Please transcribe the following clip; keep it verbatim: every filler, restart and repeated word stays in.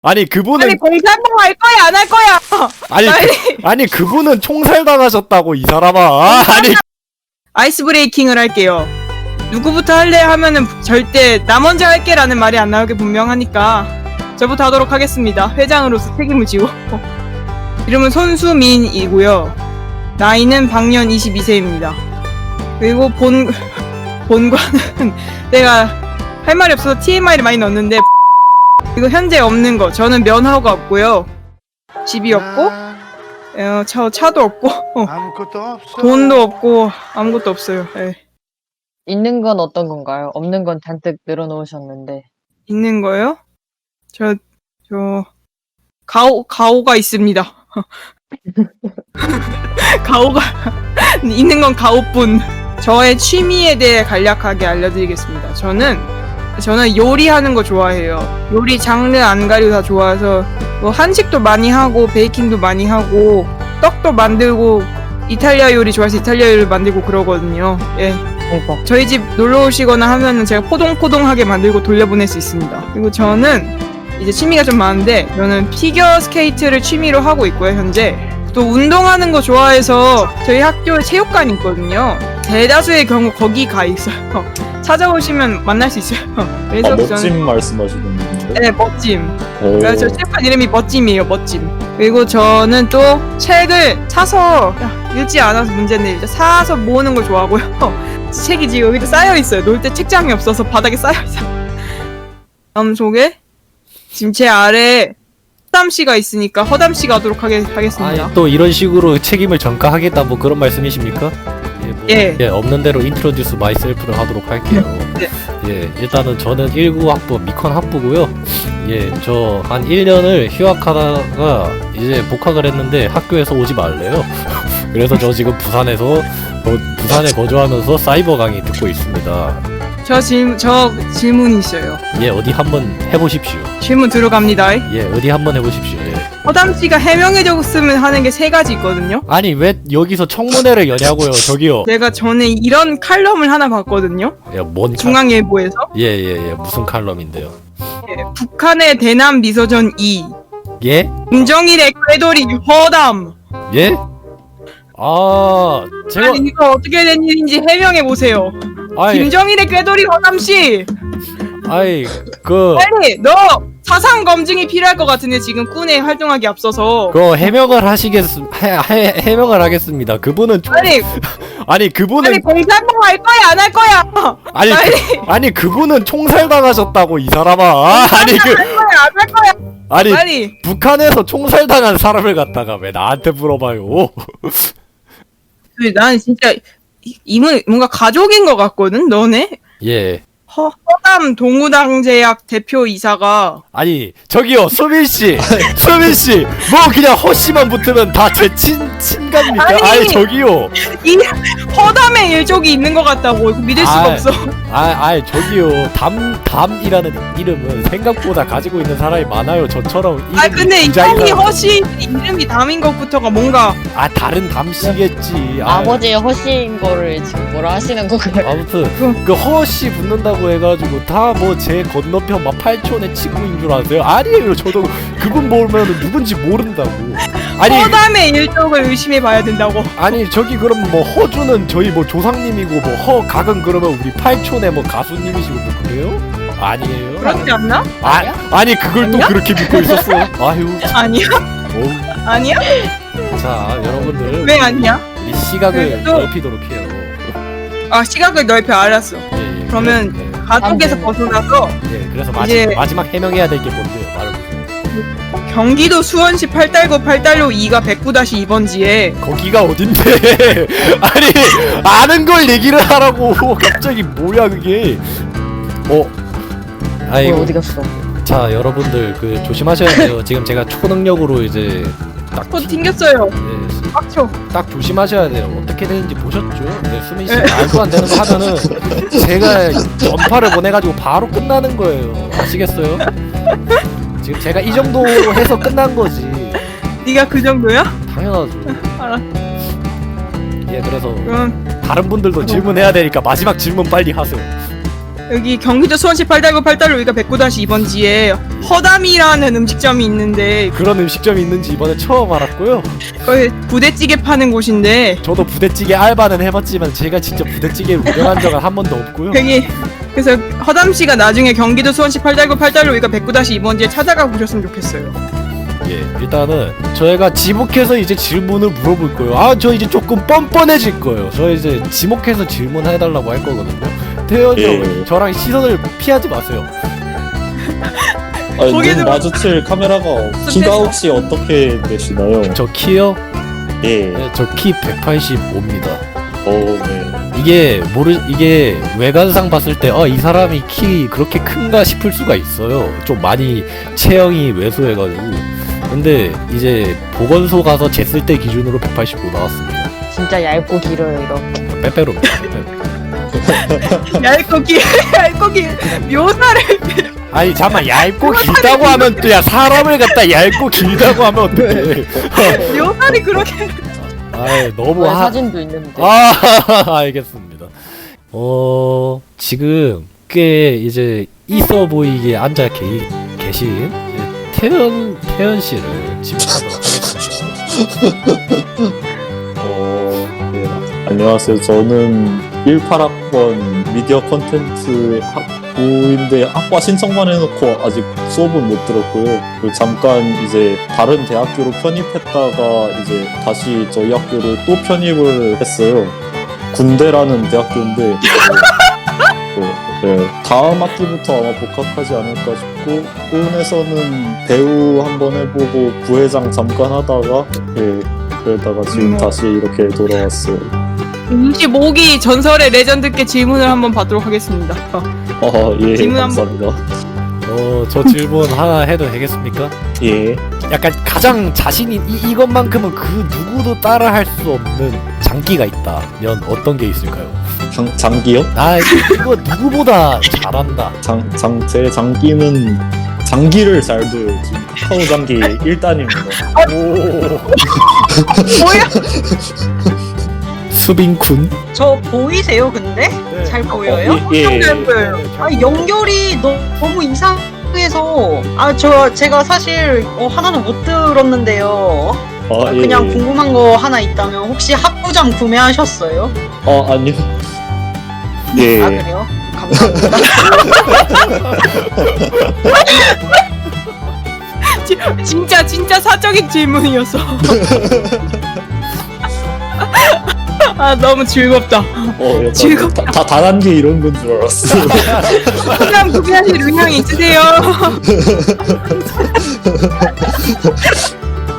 아니 그분은 아니 공산당 할 거야 안 할 거야? 아니 빨리. 그, 아니 그분은 총살 당하셨다고 이 사람아. 아, 아니 아이스 브레이킹을 할게요. 누구부터 할래 하면은 절대 나 먼저 할게라는 말이 안 나오게 분명하니까 저부터 하도록 하겠습니다. 회장으로서 책임을 지고. 이름은 손수민이고요. 나이는 방년 이십이 세입니다. 그리고 본 본관은 내가 할 말이 없어서 티엠아이를 많이 넣었는데 이거 현재 없는 거. 저는 면허가 없고요. 집이 없고 어, 차, 차도 없고 어, 아무것도 없어. 돈도 없고 아무것도 없어요. 예. 있는 건 어떤 건가요? 없는 건 잔뜩 늘어놓으셨는데. 있는 거요? 저, 저, 가오, 가오가 있습니다. 가오가, 있는 건 가오뿐. 저의 취미에 대해 간략하게 알려드리겠습니다. 저는, 저는 요리하는 거 좋아해요. 요리 장르 안 가리고 다 좋아해서, 뭐, 한식도 많이 하고, 베이킹도 많이 하고, 떡도 만들고, 이탈리아 요리 좋아해서 이탈리아 요리를 만들고 그러거든요. 예. 대박. 저희 집 놀러 오시거나 하면은 제가 포동포동하게 만들고 돌려보낼 수 있습니다. 그리고 저는 이제 취미가 좀 많은데 저는 피겨 스케이트를 취미로 하고 있고요, 현재. 또 운동하는 거 좋아해서 저희 학교에 체육관이 있거든요. 대다수의 경우 거기 가 있어요. 찾아오시면 만날 수 있어요. 그래서 아, 멋짐 저는 말씀하시는 분인데. 네, 멋짐. 오. 그래서 저 체육관 이름이 멋짐이에요, 멋짐. 그리고 저는 또 책을 사서 야, 읽지 않아서 문제인데 이제 사서 모으는 걸 좋아하고요. 책이 지금 여기도 쌓여 있어요. 놀 때 책장이 없어서 바닥에 쌓여 있어요. 다음 소개. 지금 제 아래에 허담 씨가 있으니까 허담 씨가 하도록 하게, 하겠습니다. 아니 또 이런 식으로 책임을 전가하겠다 뭐 그런 말씀이십니까? 예, 뭐, 예. 예, 없는 대로 인트로듀스 마이셀프를 하도록 할게요. 네. 예, 일단은 저는 일구 학부 미컨 학부고요. 예, 저 한 일 년을 휴학하다가 이제 복학을 했는데 학교에서 오지 말래요. 그래서 저 지금 부산에서 어, 부산에 거주하면서 사이버 강의 듣고 있습니다. 저 질, 저 질문이 있어요. 예, 어디 한번 해보십시오. 질문 들어갑니다. 예, 어디 한번 해보십시오. 예. 허담 씨가 해명해줬으면 하는 게 세 가지 있거든요. 아니 왜 여기서 청문회를 여냐고요, 저기요. 제가 전에 이런 칼럼을 하나 봤거든요. 야, 뭔 칼... 중앙일보에서. 예예예 무슨 칼럼인데요? 예, 북한의 대남 미소전 이. 예? 김정일의 꾀돌이 허담. 예? 아 제가 아니 이거 어떻게 된 일인지 해명해 보세요. 아이 김정일의 꾀돌이 허담 씨. 아이 그 빨리 너 사상 검증이 필요할 것 같은데 지금 꾼에 활동하기 앞서서. 그 해명을 하시겠 해, 해, 해명을 하겠습니다. 그분은 좀- 빨리 아니 그분은 빨리 공산당 할 거야 안 할 거야. 아니 빨리 그, 아니 그분은 총살 당하셨다고 이 사람아. 아, 아니 그 할 거야 안 할 거야. 아니 빨리. 북한에서 총살 당한 사람을 갖다가 왜 나한테 물어봐요? 난 진짜 이- 이분 뭔가 가족인 것 같거든 너네. 예. 허, 허담 동우당제약 대표이사가 아니 저기요 수민 씨, 수민 씨, 뭐 그냥 허씨만 붙으면 다 제 친 친갑니까? 아니. 아니 저기요, 이 허담의 일족이 있는 것 같다고 이거 믿을 수가 아이. 없어. 아, 아 저기요, 담 담이라는 이름은 생각보다 가지고 있는 사람이 많아요. 저처럼 이름이 아 근데 이 디자이너- 형이 허씨 이름이 담인 것부터가 뭔가 아 다른 담씨겠지. 아, 아버지의 허시인 거를 지금 뭐라 하시는 건가요? 아무튼 그 허씨 붙는다고 해가지고 다 뭐 제 건너편 막 팔촌의 친구인 줄 아세요? 아니에요. 저도 그분 모르면 누군지 모른다고. 아니 허담의 일족을 의심해 봐야 된다고. 아니 저기 그럼 뭐 허주는 저희 뭐 조상님이고 뭐 허각은 그러면 우리 팔촌의 뭐 가수님이시고 뭐 그래요? 아니에요? 그렇지 않나? 아, 아니 그걸 또 아니야? 그렇게 믿고 있었어? 아유 아니야? 어우. 아니야? 자 여러분들 왜 아니야? 우리 시각을 또- 넓히도록 해요. 아 시각을 넓혀 알았어. 예, 예, 그러면 예, 가족에서 안 돼. 벗어나서 예, 그래서 마지, 이제- 마지막 해명해야 될 게 뭔데요? 말해보세요. 경기도 수원시 팔달구 팔달로 이가 백구 이 번지에 거기가 어딘데? 아니 아는 걸 얘기를 하라고 갑자기 뭐야 그게? 어? 아이고 뭐 어디 갔어? 자 여러분들 그 조심하셔야 돼요. 지금 제가 초능력으로 이제 딱, 또 튕겼어요. 예, 빡쳐. 딱 조심하셔야 돼요. 어떻게 되는지 보셨죠? 네, 수민 씨 말도 안 되는 거 하면은 제가 전파를 보내가지고 바로 끝나는 거예요. 아시겠어요? 지금 제가 이 정도 해서 끝난 거지. 네가 그 정도야? 당연하죠. 알았어. 예, 그래서 그럼 다른 분들도 질문해야 되니까 마지막 질문 빨리 하세요. 여기 경기도 수원시 팔달구 팔달로 위가 백구 이 번지에 허담이라는 음식점이 있는데 그런 음식점이 있는지 이번에 처음 알았고요. 거기 부대찌개 파는 곳인데 저도 부대찌개 알바는 해봤지만 제가 진짜 부대찌개를 운영한 적은 한 번도 없고요. 여기 그래서 허담 씨가 나중에 경기도 수원시 팔달구 팔달로 위가 백구 이 번지에 찾아가 보셨으면 좋겠어요. 예, 일단은 저희가 지목해서 이제 질문을 물어볼 거예요. 아, 저 이제 조금 뻔뻔해질 거예요. 저 이제 지목해서 질문해달라고 할 거거든요. 태현이 예. 형, 저랑 시선을 피하지 마세요. 아니, 거기는- 눈 마주칠 카메라가 키가 혹시 어떻게 되시나요? 저 키요? 예. 네, 저 키 백팔십오입니다. 어, 네. 이게 모르 이게 외관상 봤을 때 어 이 사람이 키 그렇게 큰가 싶을 수가 있어요. 좀 많이 체형이 왜소해가지고. 근데 이제 보건소 가서 쟀을 때 기준으로 백팔십오 나왔습니다. 진짜 얇고 길어요 이렇게. 빼빼로입니다. 빼빼로. 얇고 기 얇고 기 묘사를 아니 잠만 얇고 길다고 하면 또 야 사람을 갖다 얇고 길다고 하면 어떡해. 묘사를 그렇게 아 너무 왜 하... 사진도 있는데. 아 알겠습니다. 어 지금 꽤 이제 있어 보이게 앉아 계, 계신 이제 태연 태연 씨를 지목하도록 하겠습니다. 어, 네. 안녕하세요. 저는 십팔 학번 미디어 콘텐츠 학부인데 학과 신청만 해놓고 아직 수업은 못 들었고요. 그리고 잠깐 이제 다른 대학교로 편입했다가 이제 다시 저희 학교로 또 편입을 했어요. 군대라는 대학교인데 네, 네, 다음 학기부터 아마 복학하지 않을까 싶고 군에서는 배우 한번 해보고 부회장 잠깐 하다가 네, 그러다가 지금 음. 다시 이렇게 돌아왔어요. 이십오 기 전설의 레전드께 질문을 한번 받도록 하겠습니다. 어. 어, 예, 질문 한번- 감사합니다. 어저 질문 하나 해도 되겠습니까? 예. 약간 가장 자신인 이, 이것만큼은 그 누구도 따라할 수 없는 장기가 있다면 어떤 게 있을까요? 장, 장기요? 나 이거 누구보다 잘한다. 장, 장, 제 장기는 장기를 잘 둬요. 지금 카카오 장기 일 단입니다. 뭐야? 수빈군. 저 보이세요 근데? 네. 잘 보여요? 어, 예, 예. 잘 보여요. 아 연결이 너, 너무 이상해서 아 저 제가 사실 어, 하나는 못 들었는데요. 아, 예, 그냥 예. 궁금한 거 하나 있다면 혹시 합부점 구매하셨어요? 아, 아니요. 예. 아 그래요? 감사합니다. 지- 진짜 진짜 사적인 질문이었어. 아 너무 즐겁다. 어, 약간 즐겁다. 다, 다 다단계 이런 건 줄 알았어. 그냥 구매하실 의향이 있으세요?